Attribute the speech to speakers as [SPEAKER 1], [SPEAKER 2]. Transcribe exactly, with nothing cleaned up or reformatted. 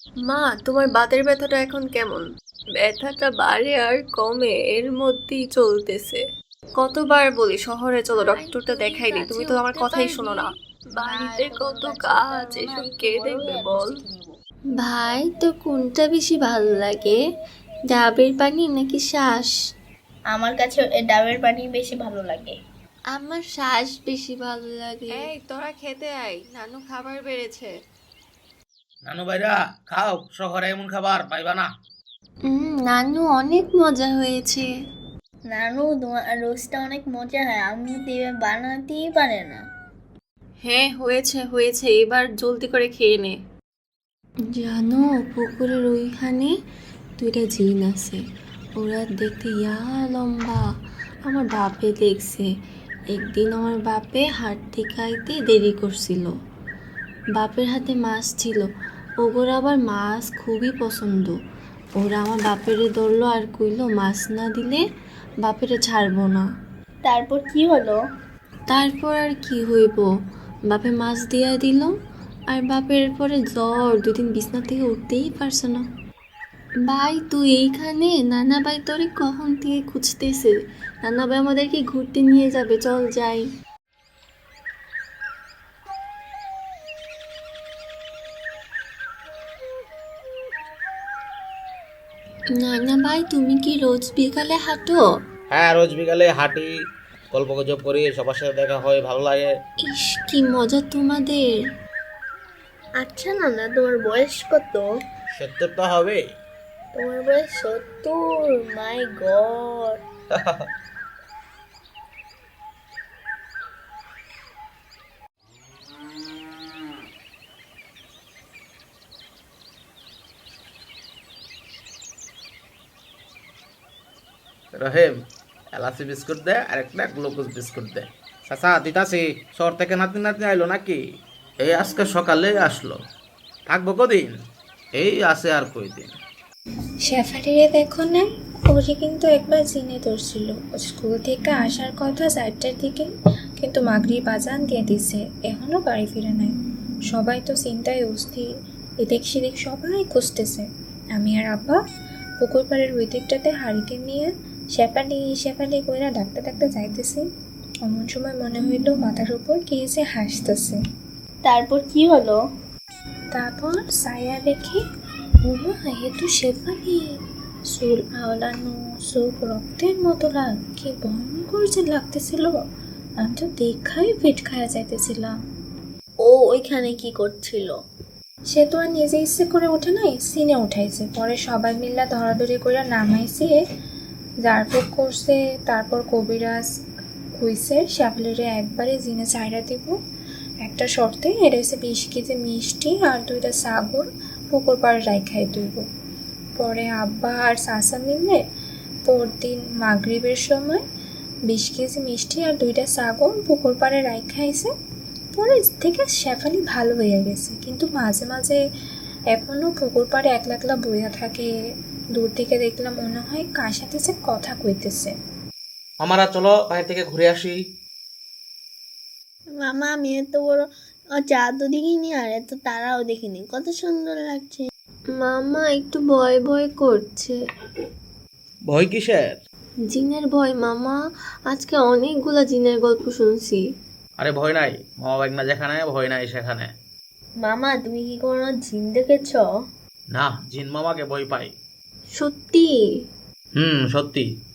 [SPEAKER 1] মা, তোমার বাতের ব্যথাটা এখন কেমন? ব্যথাটা বাড়ে আর কমে এর মধ্যেই চলতেছে। কতবার বলি শহরে চলো, ডক্টরটা দেখাই দিই, তুমি তো আমার কথাই শোনো না। বাড়িতে কত কাজ, এসব কে দেখবে বল?
[SPEAKER 2] ভাই, তোর কোনটা বেশি ভালো লাগে, ডাবের পানি নাকি শ্বাস?
[SPEAKER 3] আমার কাছে এ ডাবের পানি বেশি ভালো লাগে।
[SPEAKER 2] আমার শ্বাস বেশি ভালো লাগে।
[SPEAKER 1] এই তোরা খেতে আয়, নানু খাবার বেড়েছে।
[SPEAKER 4] নানু ভাইরা খাও, শহরে এমন খাবার পাইবা না।
[SPEAKER 2] হুম, নানু অনেক মজা হয়েছে।
[SPEAKER 3] নানু, তোমার রোস্টটা অনেক মজা হয়, আমি তো এবার বানাতেই পারে না।
[SPEAKER 1] হ্যাঁ, হয়েছে হয়েছে, এবার জলদি করে খেয়ে নে।
[SPEAKER 2] জানো, পুকুরের ওইখানে দুইটা জিন আছে। ওরা দেখতে ইয়া লম্বা। আমার বাপে দেখছে। একদিন আমার বাপে হাট থেকে আইতে দেরি করছিল। বাপের হাতে মাছ ছিল। ওগোর আবার মাছ খুবই পছন্দ। ওরা আমার বাপেরে ধরলো আর কইলো মাছ না দিলে বাপেরে ছাড়বো না।
[SPEAKER 3] তারপর কি হলো?
[SPEAKER 2] তারপর আর কি হইব, বাপে মাছ দিয়া দিল। আর বাপের পরে জ্বর, দুদিন বিছনা থেকে উঠতেই পারছে না। ভাই, তুই এইখানে? নানা ভাই তোরে কখন থেকে খুঁজতেছে। নানা ভাই আমাদেরকে ঘুরতে নিয়ে যাবে, চল যাই। নানা ভাই, তুমি কি রোজ বিকালে হাঁটো?
[SPEAKER 4] হ্যাঁ, রোজ বিকালে হাঁটি, গল্প গুজব করি, সবার সাথে দেখা হয়, ভালো লাগে।
[SPEAKER 2] ইস, কি মজা তোমাদের।
[SPEAKER 3] আচ্ছা নানা, তোমার বয়স কত?
[SPEAKER 4] সত্তরটা হবে।
[SPEAKER 3] তোমার বয়স সত্তর? মাই গড।
[SPEAKER 4] রহিম, এলাচি বিস্কুট দে আর একটা গ্লুকোজ বিস্কুট দে। চাচা দিতাছি, শহর থেকে নাতি নাতি আইলো নাকি? এই আজকে সকালে আসলো, থাকবো কদিন? এই আছে আর কয়দিন।
[SPEAKER 2] শেফালিরে দেখো না, ওরে কিন্তু একবার জিনে ধরছিল। ও স্কুল থেকে আসার কথা চারটার দিকে, কিন্তু মাগরিব আজান দিয়ে দিছে, এখনো বাড়ি ফিরে নাই। সবাই তো চিন্তায় অস্থির, এদিক সেদিক সবাই খুঁজতেছে। আমি আর আব্বা পুকুর পাড়ের ওই দিকটাতে হারিকেন নিয়ে শেফালি শেফালি কইরা ডাকতে ডাকতে যাইতেছি। এমন সময় মনে হইল মাথার উপর কে যে হাসতেছে।
[SPEAKER 3] তারপর কি হলো?
[SPEAKER 2] তারপর সায়া দেখি, ওমা, এ তো শেফালি। চুল আওলানো, চোখ রক্তের মতো লাল, কি ভয়ঙ্কর যে লাগতেছিল। আমি তো দেখাই পেট খায়া যাইতেছিলাম।
[SPEAKER 3] ও ওইখানে কি করছিল?
[SPEAKER 2] সে তো আর নিজে ইচ্ছে করে ওঠে নাই, সিনে উঠাইছে। পরে সবাই মিল্লা ধরাধরি করে নামাইছে, জারপুক করছে। তারপর কবিরাজ কইছে শেফালিরে একবারে জিনে চাইরা দিব, একটা শর্তে। এটা হচ্ছে বিশ কেজি মিষ্টি আর দুইটা সাগর পুকুর পাড়ে রাইখাই দিব। পরে আব্বা আর চাচা মিলে পরদিন মাগরিবের সময় বিশ কেজি মিষ্টি আর দুইটা সাগর পুকুর পাড়ে রাইখাইছে। পরে থেকে শেফালি ভালো হয়ে গেছে, কিন্তু মাঝে মাঝে এখনো পুকুর পাড়ে একলা একলা বইয়া থাকে। দূর থেকে দেখলাম মনে হয় কার সাথে সে কথা কইতেছে।
[SPEAKER 4] আমরা চলো বাইরে থেকে ঘুরে আসি।
[SPEAKER 3] মামা, আমি এত বড় চাঁদ দেখিনি আর এত তারাও দেখিনি, কত সুন্দর লাগছে।
[SPEAKER 2] মামা একটু ভয় ভয় করছে।
[SPEAKER 4] ভয় কিসের?
[SPEAKER 2] জিনের ভয় মামা, আজকে অনেকগুলা জিনের গল্প শুনছি।
[SPEAKER 4] আরে ভয় নাই, মামা বাগনা যেখানে, ভয় নাই সেখানে।
[SPEAKER 3] মামা, তুমি কি কোনো জিন দেখেছ?
[SPEAKER 4] না, জিন মামাকে ভয় পাই।
[SPEAKER 2] সত্যি?
[SPEAKER 4] হুম, সত্যি।